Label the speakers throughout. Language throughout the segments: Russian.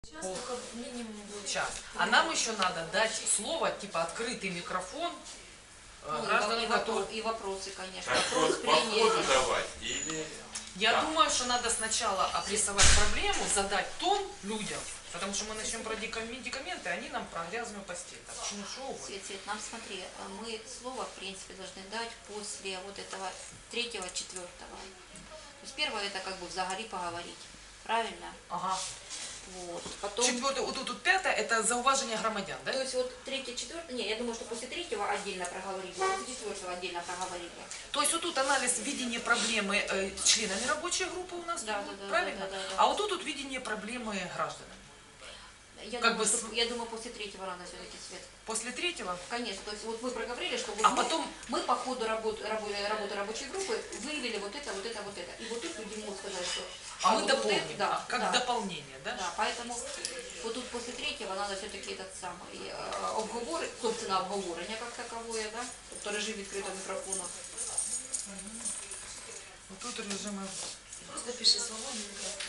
Speaker 1: Сейчас только минимум будет.
Speaker 2: Час. А нам еще надо дать слово, типа открытый микрофон гражданам, которые...
Speaker 1: И вопросы, конечно.
Speaker 3: Вопрос по ходу давать или...
Speaker 2: Я думаю, что надо сначала обрисовать проблему, задать тон людям, потому что мы начнем про медикаменты, они нам про грязную постель. Так, ну, шоу.
Speaker 1: Свет, нам смотри, мы слово, в принципе, должны дать после вот этого 3-го, 4-го. То есть первое это как бы взагалі поговорить. Правильно?
Speaker 2: Ага.
Speaker 1: Вот. Потом...
Speaker 2: 4-е, вот тут 5-е, это зауважение громадян, да?
Speaker 1: То есть вот 3-й, 4-й, не, я думаю, что после 3-го отдельно проговорили, после 4-го отдельно проговорили.
Speaker 2: То есть вот тут анализ видения проблемы членами рабочей группы у нас,
Speaker 1: Да,
Speaker 2: правильно?
Speaker 1: Да.
Speaker 2: А вот тут видение проблемы граждан.
Speaker 1: Я думаю, после 3-го рано все-таки, Свет.
Speaker 2: После 3-го?
Speaker 1: Конечно, то есть вот мы проговорили, что вот мы по ходу работы рабочей группы выявили вот это. И вот тут люди могут сказать, что...
Speaker 2: А мы дополним,
Speaker 1: да,
Speaker 2: как дополнение, да?
Speaker 1: Да, поэтому вот тут после 3-го надо все-таки этот самый собственно, обговорення как таковое, да? Тобто режим відкритого мікрофону.
Speaker 2: Вот тут режимы...
Speaker 1: Просто пиши свободный микрофон.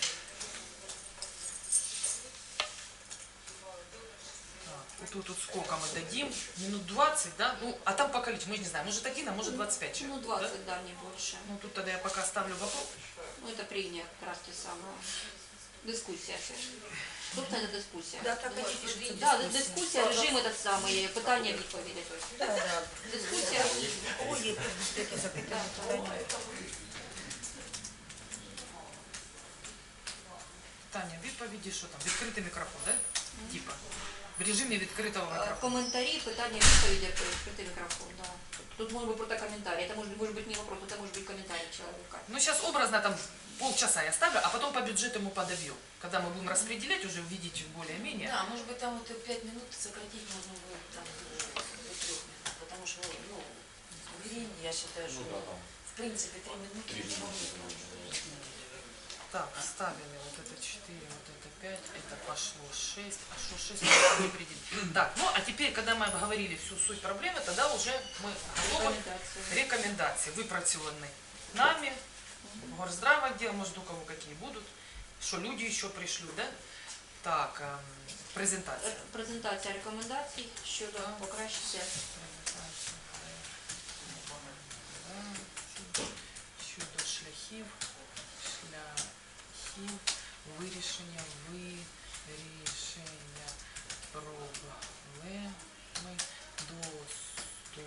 Speaker 2: Тут сколько мы дадим? Минут 20, да? Ну, а там по количеству, мы не знаем, может 1, а может 25 человек.
Speaker 1: Ну, 20, да, не больше.
Speaker 2: Ну, тут тогда я пока ставлю вопрос.
Speaker 1: Ну, это прения, как раз те самые. Дискуссия. Собственно, это дискуссия.
Speaker 4: Да, так хотите,
Speaker 1: да, дискуссия, режим этот самый, питання відповіді.
Speaker 4: Да.
Speaker 1: Дискуссия.
Speaker 4: Ой, такі запитання.
Speaker 2: Таня, відповіді, що там? Відкритий мікрофон, да? Типа. В режимі відкритого мікрофону.
Speaker 1: Комментарии, питання, відповіді, відкритий мікрофон, да. Тут может быть просто комментарий. Это может быть не вопрос, это может быть комментарий человека.
Speaker 2: Ну, сейчас образно там полчаса я ставлю, а потом по бюджету мы подобьем. Когда мы будем распределять, уже увидите более-менее.
Speaker 5: Да, может быть, там вот 5 минут сократить можно будет там, до 3 минут, потому что, ну, времени, я считаю, что, в принципе, 3 минуты не могут.
Speaker 2: Так, ставили вот это 4, вот это 5, это пошло 6, а что 6 не определить. Так, ну а теперь, когда мы обговорили всю суть проблемы, тогда уже мы готовы рекомендации, выпрацеваны нами, горздрав отдел, может у кого какие будут, что люди еще пришлют, да? Так, презентация.
Speaker 1: Презентація рекомендацій щодо покращення.
Speaker 2: Щодо шляхів вирішення проблеми доступу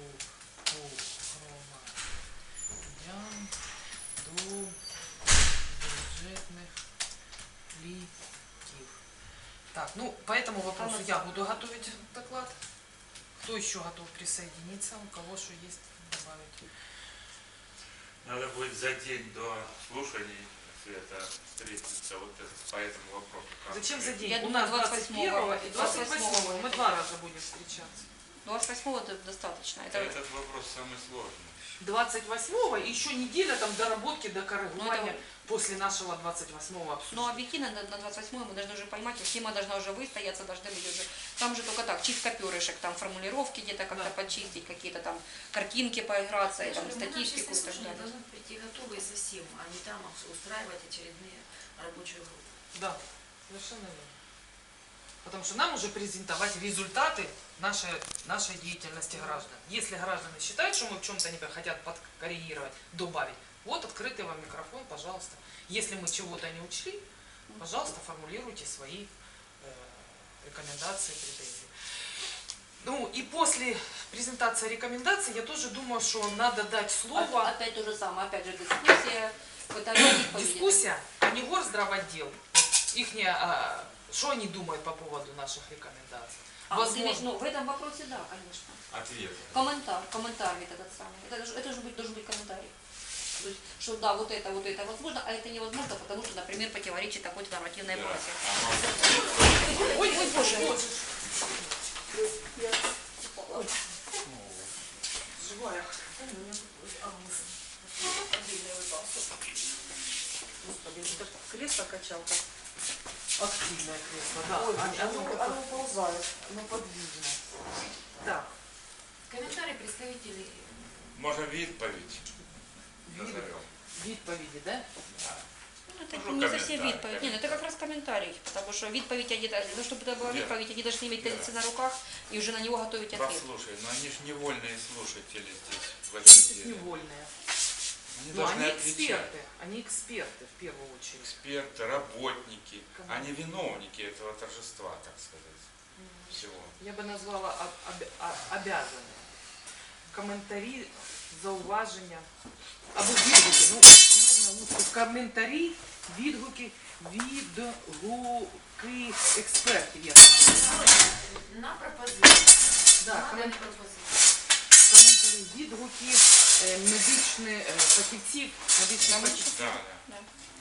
Speaker 2: громадян до бюджетних ліків. Так, ну, по этому вопросу я буду готовить доклад. Кто еще готов присоединиться? У кого что есть добавить?
Speaker 3: Надо будет за день до слушаний Света встретиться вот по этому вопросу.
Speaker 2: Зачем за день?
Speaker 1: Я
Speaker 2: У
Speaker 1: думаю,
Speaker 2: нас 21-го и 28-го. Мы 2 раза будем встречаться.
Speaker 1: 28-го это достаточно.
Speaker 3: Этот вопрос самый сложный.
Speaker 2: 28-го и еще неделя там доработки, до корректирования после нашего 28-го обсуждения.
Speaker 1: Но объективно на 28-го мы должны уже понимать, тема должна уже выстояться, должны быть уже. Там же только так, чистка перышек, там формулировки где-то как-то почистить, какие-то там картинки поиграться, и, там, статистику и так далее.
Speaker 5: Должны прийти готовые совсем, а не там устраивать очередные рабочие группы.
Speaker 2: Да, совершенно верно. Потому что нам уже презентовать результаты нашей деятельности граждан. Если граждане считают, что мы в чем-то не хотят подкоррегировать, добавить, вот открытый вам микрофон, пожалуйста. Если мы чего-то не учли, пожалуйста, формулируйте свои рекомендации, претензии. Ну и после презентации рекомендаций я тоже думаю, что надо дать слово.
Speaker 1: Опять то же самое, опять же дискуссия.
Speaker 2: Дискуссия, а не горздравотдел. Что они думают по поводу наших рекомендаций?
Speaker 1: Возможно. Ну, в этом вопросе да, конечно.
Speaker 3: Ответ.
Speaker 1: Комментарий этот самый. Это же должен быть комментарий. То есть, что да, вот это возможно, а это невозможно, потому что, например, противоречит такой-то нормативной базе.
Speaker 2: Ой, боже. Живая.
Speaker 4: Господи, кресло-качалка.
Speaker 2: Активное кресло, да.
Speaker 4: Ой,
Speaker 2: оно ползает, оно подвижно. Так.
Speaker 5: Комментарии представителей.
Speaker 3: Можно відповідь назовем.
Speaker 2: Відповіді, да?
Speaker 3: Да.
Speaker 1: Это
Speaker 3: Ну,
Speaker 1: не совсем
Speaker 3: комментарий,
Speaker 1: відповідь. Ні, ну это как раз комментарий. Потому что відповідь, ну, чтобы это была
Speaker 3: Вера.
Speaker 1: відповідь, они должны иметь
Speaker 3: Вера.
Speaker 1: тезисы на руках и уже на него готовить ответ.
Speaker 3: Послушай, но они же невольные слушатели здесь в
Speaker 2: Они
Speaker 3: этом
Speaker 2: здесь
Speaker 3: деле.
Speaker 2: невольные.
Speaker 3: Они
Speaker 2: Но
Speaker 3: должны
Speaker 2: они
Speaker 3: отвечать.
Speaker 2: они эксперты в первую очередь.
Speaker 3: Эксперты, работники,
Speaker 2: Кому?
Speaker 3: они виновники этого торжества, так сказать, всего.
Speaker 2: Я бы назвала обязанные. Коментарі, зауваження. Або відгуки. Ну, наверное, лучше коментарі, відгуки, відгуки експертів. Я так називаю.
Speaker 5: На пропозицію.
Speaker 2: Да,
Speaker 5: На
Speaker 2: коментарі,
Speaker 5: пропозицію.
Speaker 2: відгуки медичних фахівців, медичних фахівців.
Speaker 3: Да,
Speaker 1: Да.
Speaker 3: да.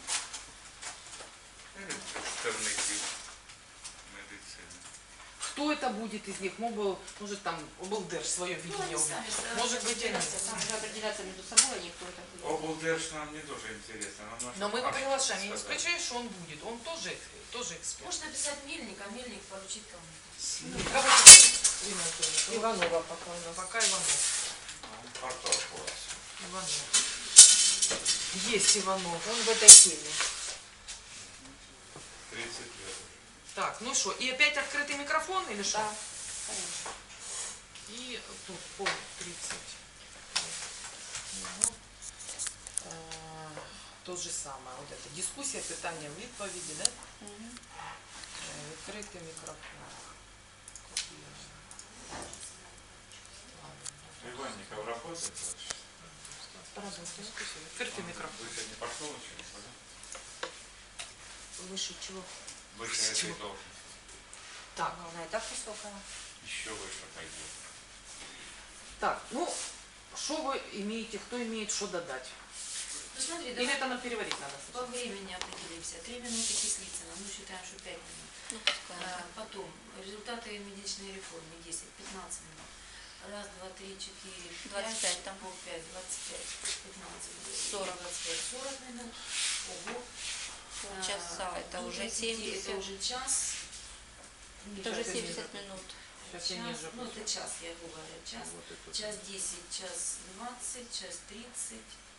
Speaker 3: Или представники медицины.
Speaker 2: Кто это будет из них? Может там облдерж свое
Speaker 5: Ну,
Speaker 2: видение.
Speaker 5: они сами
Speaker 2: Может быть, они.
Speaker 1: Там уже определяться между собой, они кто это будет.
Speaker 3: Облдерж нам не тоже интересно. Нам нужно
Speaker 2: Но мы его
Speaker 3: факты
Speaker 2: приглашаем. Я не
Speaker 3: сказать.
Speaker 2: исключаю, что он будет. Он тоже эксперт.
Speaker 5: Можно написать Мельник, а Мельник поручить кому-то.
Speaker 2: Кого тебе, Ирина Анатольевна?
Speaker 4: Иванова пока у нас.
Speaker 2: Пока Иванов.
Speaker 3: Он портал класс.
Speaker 2: Иванов. Есть Иванов.
Speaker 4: Он в этой теме.
Speaker 3: 30 лет.
Speaker 2: Так, ну что, и опять открытый микрофон или что?
Speaker 1: Да, конечно.
Speaker 2: И тут пол 30. Ну, то же самое. Вот это дискуссия, питання, відповіді, да?
Speaker 1: Мгм.
Speaker 2: Відкритий мікрофон.
Speaker 3: Иванников работает вообще?
Speaker 2: Работаю. Відкритий мікрофон.
Speaker 3: Вы сегодня пошел еще?
Speaker 4: Выше чего?
Speaker 3: Выше
Speaker 2: С
Speaker 3: этой
Speaker 2: чего?
Speaker 3: должности.
Speaker 2: Так,
Speaker 4: Она и так высокая.
Speaker 3: Еще выше пойдет.
Speaker 2: так, ну, что вы имеете, кто имеет что додать?
Speaker 5: Ну смотри,
Speaker 2: Или
Speaker 5: давай
Speaker 2: это нам переварить надо?
Speaker 5: по времени определимся. 3 минуты Кислицына, мы считаем, что 5 минут.
Speaker 1: Ну, пускай.
Speaker 5: Потом результаты медичной реформы 10-15 минут. Раз, два, три, четыре,
Speaker 1: 25 там.
Speaker 5: пол 5, 25, 15,
Speaker 1: 40.
Speaker 5: 25, 40 минут. Ого.
Speaker 1: Полчаса, это
Speaker 5: До
Speaker 1: уже
Speaker 5: 30,
Speaker 1: 70.
Speaker 5: Это уже час.
Speaker 1: Это уже
Speaker 2: Сейчас
Speaker 1: 70 минут.
Speaker 2: Сейчас я
Speaker 5: Час,
Speaker 2: ниже.
Speaker 5: ну это час, я говорю, час.
Speaker 2: Вот это.
Speaker 5: Час 10, час 20, час 30.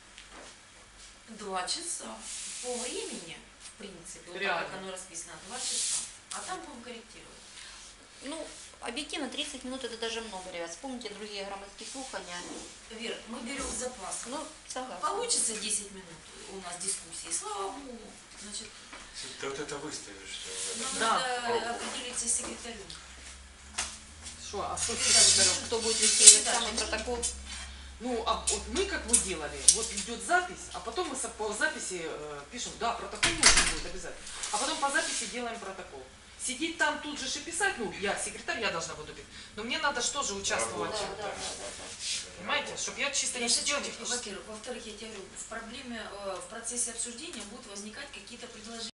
Speaker 5: 2 часа. По времени, в принципе, вот так,
Speaker 2: Реально.
Speaker 5: как оно расписано, 2 часа. А там будем корректировать.
Speaker 1: Ну, объективно 30 минут это даже много, ребят. Вспомните другие громадские слухания.
Speaker 5: Вера, мы берем запас.
Speaker 1: Ну, согласна.
Speaker 5: Получится 10 минут у нас дискуссии, слава богу. Значит,
Speaker 3: Ты вот это выставишь все.
Speaker 5: нам
Speaker 2: Да.
Speaker 5: надо определиться с секретарем.
Speaker 2: Что, а что
Speaker 1: Кто будет вести этот самый протокол?
Speaker 2: Ну, а вот мы как мы делали, вот идет запись, а потом мы по записи пишем, да, протокол нужен будет обязательно, а потом по записи делаем протокол. Сидеть там тут же и писать, ну, я секретарь, я должна буду писать, но мне надо же тоже участвовать,
Speaker 3: Работать.
Speaker 1: Да.
Speaker 2: понимаете, чтобы я чисто не
Speaker 5: Я
Speaker 2: сидела
Speaker 5: шучу,
Speaker 2: технически.
Speaker 5: во-первых. Во-вторых, я тебе говорю, в процессе обсуждения будут возникать какие-то предложения.